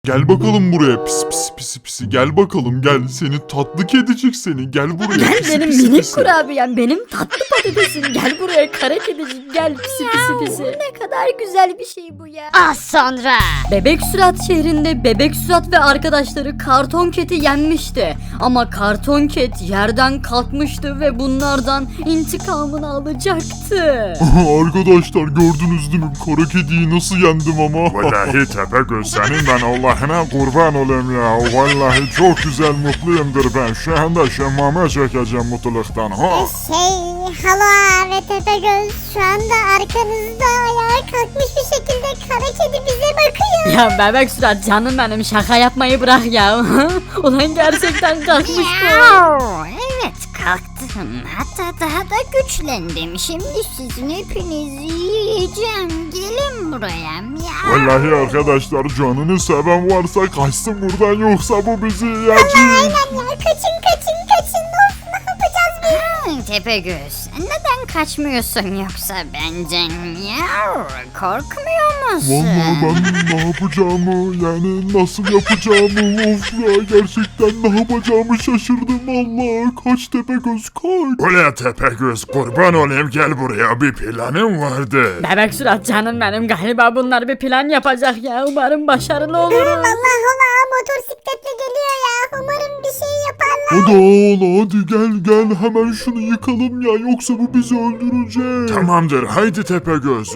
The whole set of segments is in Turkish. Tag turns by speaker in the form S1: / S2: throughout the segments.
S1: Gel bakalım buraya pis pis pis pis. Gel bakalım gel. Seni tatlı kedicik seni. Gel buraya.
S2: Gel
S1: pisi,
S2: benim
S1: pisi,
S2: minik
S1: pisi.
S2: kurabiyem, benim tatlı patatesim. Gel buraya kara kedicik, gel pisi pisi pisi. Ne kadar güzel bir şey bu ya.
S3: Az sonra.
S2: Bebek Sürat şehrinde Bebek Sürat ve arkadaşları Karton Cat'i yenmişti. Ama Karton Cat yerden kalkmıştı ve bunlardan intikamını alacaktı.
S1: Arkadaşlar gördünüz değil mi? Kara kediyi nasıl yendim ama.
S4: Vallahi Tepegöz senin ben Allah'ına kurban olayım ya. Vallahi çok güzel mutluyumdur ben. Şu anda şemmame çekeceğim mutluluktan. Ha.
S3: Hala ve Tepegöz şu anda arkanızda ayağa kalkmış bir şekilde kara kedi bize bakıyor.
S2: Ya Bebek Sürat canım benim, şaka yapmayı bırak ya. Ulan gerçekten kalkmış bu.
S3: Evet kalktım. Hatta daha da güçlendim. Şimdi sizin hepinizi yiyeceğim. Gelin buraya. Miau.
S4: Vallahi arkadaşlar canını seven varsa kaçsın buradan yoksa bu bizi yiyecek.
S3: Aynen ya kaçın kaçın kaçın. Of ne yapacağız biz? Tepegöz neden kaçmıyorsun yoksa benden? Miau. Korkmuyor musun?
S4: Vallahi ben ne yapacağımı yani nasıl yapacağımı of ya gerçekten ne yapacağımı şaşırdım Allah. Kaç Tepegöz kaç. Öyle Tepegöz kurban olayım gel buraya bir planım vardı.
S2: Bebek Sürat canım benim, galiba bunlar bir plan yapacak ya. Umarım başarılı oluruz.
S3: Allah Allah motosikletle geliyor ya. Umarım bir şey yaparlar.
S4: Hadi oğlum hadi gel hemen şunu yıkalım ya yoksa bu bizi öldürecek. Tamamdır haydi Tepegöz.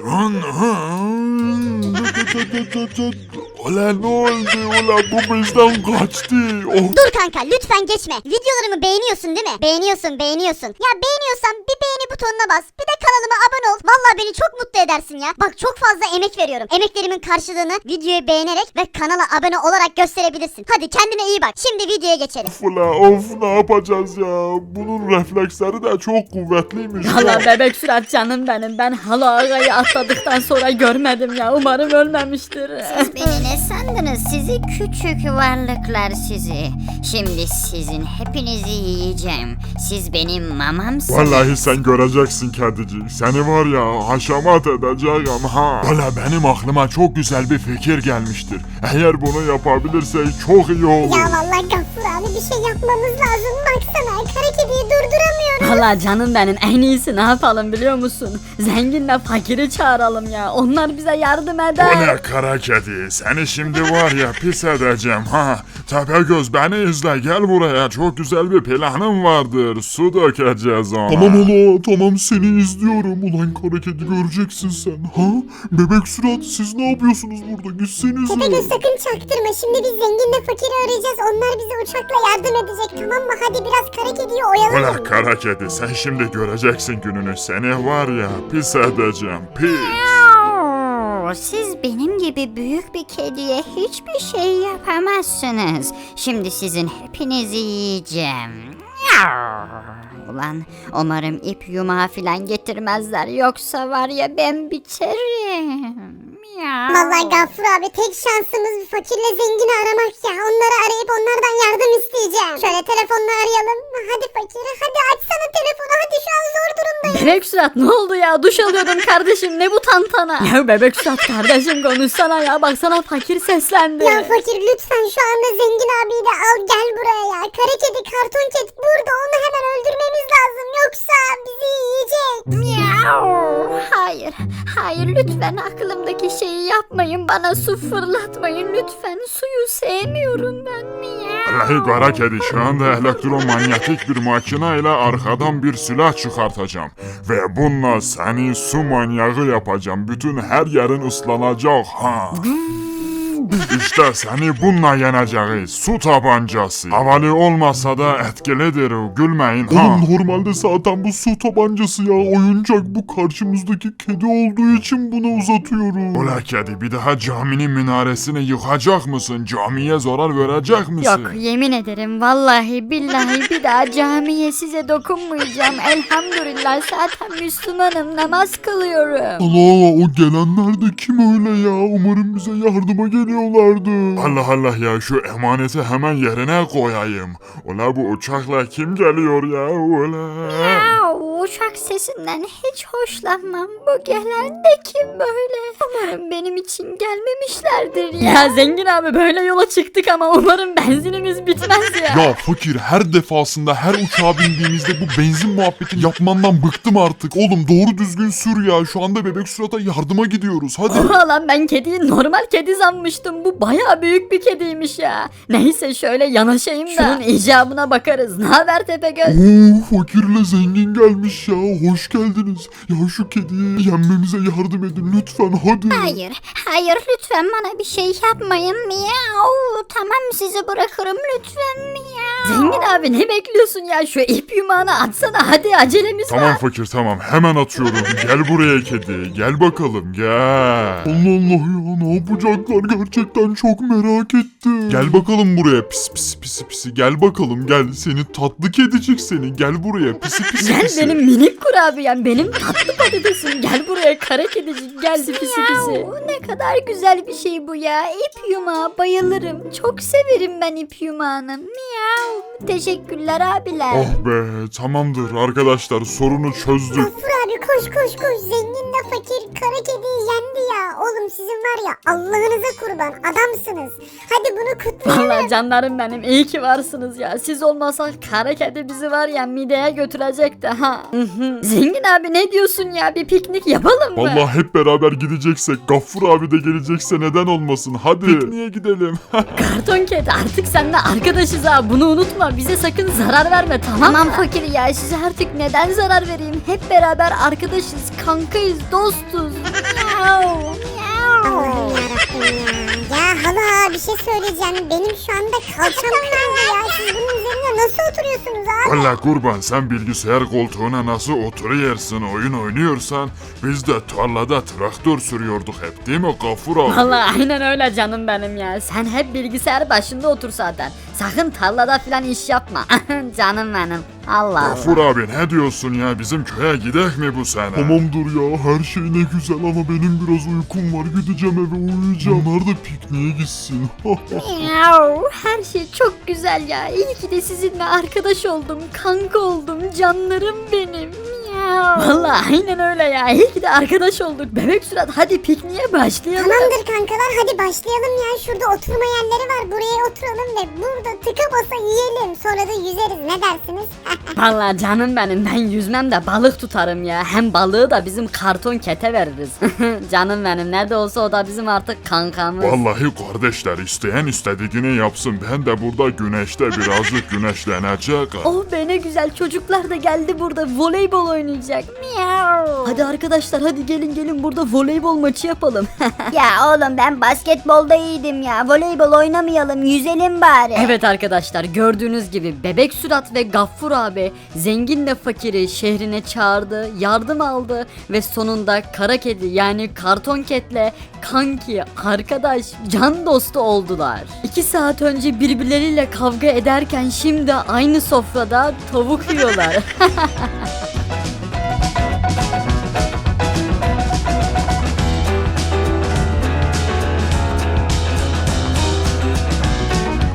S4: Ulan ne oldu ulan bu bizden kaçtı. Oh.
S3: Dur kanka lütfen geçme. Videolarımı beğeniyorsun değil mi? Beğeniyorsun. Ya beğeniyorsan bir beğeni butonuna bas. Bir de kanalıma abone ol. Vallahi beni çok mutlu edersin ya. Bak çok fazla emek veriyorum. Emeklerimin karşılığını videoyu beğenerek ve kanala abone olarak gösterebilirsin. Hadi kendine iyi bak. Şimdi videoya geçelim.
S4: Of ne yapacağız ya. Bunun refleksleri de çok kuvvetliymiş.
S2: Valla Bebek Sürat canım benim, ben hala ağayı atladıktan sonra görmedim ya. Umarım ölmemiştir.
S3: Siz beni ne sandınız? Sizi küçük varlıklar sizi. Şimdi sizin hepinizi yiyeceğim. Siz benim mamamsınız.
S4: Vallahi sen göreceksin kedicik. Seni var ya haşamat edeceğim ha. Valla benim aklıma çok güzel bir fikir gelmiştir. Eğer bunu yapabilirsek çok iyi olur.
S3: Ya vallahi Gaffur abi bir şey yapmamız lazım. Baksana kara kediyi durduramıyorum.
S2: Valla canım benim, en iyisi ne yapalım biliyor musun? Zenginle fakiri çağıralım ya. Onlar bize yardım eder.
S4: Ulan kara kedi seni şimdi var ya pis edeceğim ha. Tepegöz beni izle gel buraya çok güzel bir planım vardır. Su dökeceğiz ona.
S1: Tamam ola tamam seni izliyorum. Ulan kara kedi göreceksin sen. Ha? Bebek Sürat siz ne yapıyorsunuz burada? Gitsenize.
S3: Tepegöz sakın çaktırma. Şimdi biz zenginle fakiri arayacağız. Onlar bize uçakla yardım edecek tamam mı? Hadi biraz kara kediyi oyalayalım.
S4: Ulan kara kedi sen şimdi göreceksin gününü. Seni var ya pis edeceğim pis.
S3: Siz benim gibi büyük bir kediye hiçbir şey yapamazsınız. Şimdi sizin hepinizi yiyeceğim. Ulan umarım ip yumağı filan getirmezler yoksa var ya ben biterim. Vallahi Gaffur abi tek şansımız bir fakirle zengini aramak ya. Onları arayıp onlardan yardım isteyeceğim. Şöyle telefonla arayalım. Hadi fakir hadi açsana telefonu hadi şu an zor durumdayım.
S2: Bebek Sürat ne oldu ya? Duş alıyordum kardeşim, ne bu tantana? Ya Bebek Sürat kardeşim konuşsana ya, baksana fakir seslendi.
S3: Ya fakir lütfen şu anda zengin abiyi de al gel buraya ya. Kara kedi karton kedi burada onu hemen öldürmemiz lazım yoksa bizi yiyecek. Hayır lütfen aklımdaki şeyi yapmayın bana su fırlatmayın lütfen suyu sevmiyorum ben.
S4: Vallahi kara kedi şu anda elektromanyetik bir makine ile arkadan bir silah çıkartacağım. Ve bununla seni su manyağı yapacağım. Bütün her yerin ıslanacak ha. İşte seni bununla yeneceğiz. Su tabancası. Havalı olmasa da etkilidir. Gülmeyin ha.
S1: Oğlum normalde zaten bu su tabancası ya oyuncak, bu karşımızdaki kedi olduğu için bunu uzatıyorum.
S4: Ula kedi bir daha caminin minaresini yıkacak mısın? Camiye zarar verecek misin?
S2: Yok yemin ederim vallahi billahi bir daha camiye size dokunmayacağım. Elhamdülillah zaten Müslümanım, namaz kılıyorum.
S1: Allah o gelenler de kim öyle ya? Umarım bize yardıma geliyorlardı.
S4: Allah Allah ya şu emaneti hemen yerine koyayım. Ula bu uçakla kim geliyor ya? Ula.
S3: uçak sesinden hiç hoşlanmam. Bu gelen de kim böyle? Umarım benim için gelmemişlerdir ya.
S2: Ya zengin abi böyle yola çıktık ama umarım benzinimiz bitmez ya.
S1: Ya fakir, her defasında her uçağa bindiğimizde bu benzin muhabbetini yapmandan bıktım artık. Oğlum doğru düzgün sür ya. Şu anda Bebek Sürat'a yardıma gidiyoruz. Hadi.
S2: Oha lan ben kediyi normal kedi sanmıştım. Bu bayağı büyük bir kediymiş ya. Neyse şöyle yanaşayım da. Şunun icabına bakarız. Ne haber Tepegöz?
S1: Oo, fakirle zengin gelmiş ya. Hoş geldiniz. Ya şu kediyi yenmemize yardım edin lütfen, hadi.
S3: Hayır lütfen bana bir şey yapmayın. Miyav. Tamam sizi bırakırım lütfen. Miyav.
S2: Zengin abi ne bekliyorsun ya? Şu ip yumağını atsana hadi acelemiz var.
S4: Tamam fakir tamam hemen atıyorum. Gel buraya kedi. Gel bakalım gel.
S1: Allah Allah ya, ne yapacaklar, gerçekten çok merak ettim. Gel bakalım buraya pis pis pisi pisi, gel bakalım gel, seni tatlı kedicik seni, gel buraya pisi pisi
S2: Gel
S1: pisi.
S2: benim minik kurabiyem, benim tatlı patatesim. Gel buraya kara kedicik, gel pisi pisi.
S3: Miyav. Ne kadar güzel bir şey bu ya. İp yumağı bayılırım. Çok severim ben ip yumağını. Miyav. Teşekkürler abiler.
S4: Oh be tamamdır arkadaşlar sorunu çözdük.
S5: Gafur abi koş koş koş, zenginle fakir kara kediyi yendi ya. Oğlum sizin var ya, Allah'ınıza kurban adamsınız. Hadi bunu kutlayalım.
S2: Vallahi canlarım benim, iyi ki varsınız ya. Siz olmasak kara kedi bizi var ya mideye götürecekti ha. Zengin abi ne diyorsun ya, bir piknik yapalım mı?
S4: Vallahi hep beraber gideceksek Gaffur abi de gelecekse neden olmasın hadi. Pikniğe gidelim.
S2: Karton kedi artık seninle arkadaşız ha, bunu unutma. Bize sakın zarar verme, tamam mı?
S3: Tamam fakir ya, size artık neden zarar vereyim? Hep beraber arkadaşız, kankayız, dostuz. Miyav, miyav.
S5: Allah'ım yarabbim ya. Ya hala bir şey söyleyeceğim. Benim şu anda kalçam kırıldı ya. Siz bunun üzerine nasıl oturuyorsunuz abi?
S4: Valla kurban sen bilgisayar koltuğuna nasıl oturuyorsun oyun oynuyorsan biz de tarlada traktör sürüyorduk hep değil mi Gaffur abi?
S2: Vallahi aynen öyle canım benim ya. Sen hep bilgisayar başında otur zaten. Sakın tarlada falan iş yapma. Canım benim. Allah Allah.
S4: Gaffur abi ne diyorsun ya bizim köye gidek mi bu sene?
S1: Tamamdır ya, her şey ne güzel ama benim biraz uykum var, gideceğim eve uyuyacağım. Onlar da pikniğe gitsin.
S3: Miyav. Her şey çok güzel ya. İyi ki de sizinle arkadaş oldum, kanka oldum, canlarım benim. Miyav.
S2: Vallahi aynen öyle ya. İyi ki de arkadaş olduk. Bebek Sürat hadi pikniğe başlayalım.
S5: Tamamdır kankalar, hadi başlayalım ya. Şurada oturma yerleri var, buraya oturalım ve burada tıka basa yiyelim. Sonra da yüzeriz, ne dersiniz?
S2: Vallahi canım benim, ben yüzmem de balık tutarım ya. Hem balığı da bizim karton kete veririz. Canım benim, ne de olsa o da bizim artık kankamız.
S4: Vallahi kardeşler isteyen istediğini yapsın ben de burada güneşte birazcık güneşlenecek.
S2: Oh be ne güzel, çocuklar da geldi, burada voleybol oynayacak.
S3: Miyav.
S2: Hadi arkadaşlar hadi gelin burada voleybol maçı yapalım.
S3: Ya oğlum ben basketbolda iyiydim ya. Voleybol oynamayalım, yüzelim bari.
S2: Evet arkadaşlar, gördüğünüz gibi Bebek Sürat ve Gaffur abi zenginle fakiri şehrine çağırdı, yardım aldı ve sonunda kara kedi yani karton ketle kanki, arkadaş, can dostu oldular. 2 saat önce birbirleriyle kavga ederken şimdi aynı sofrada tavuk yiyorlar.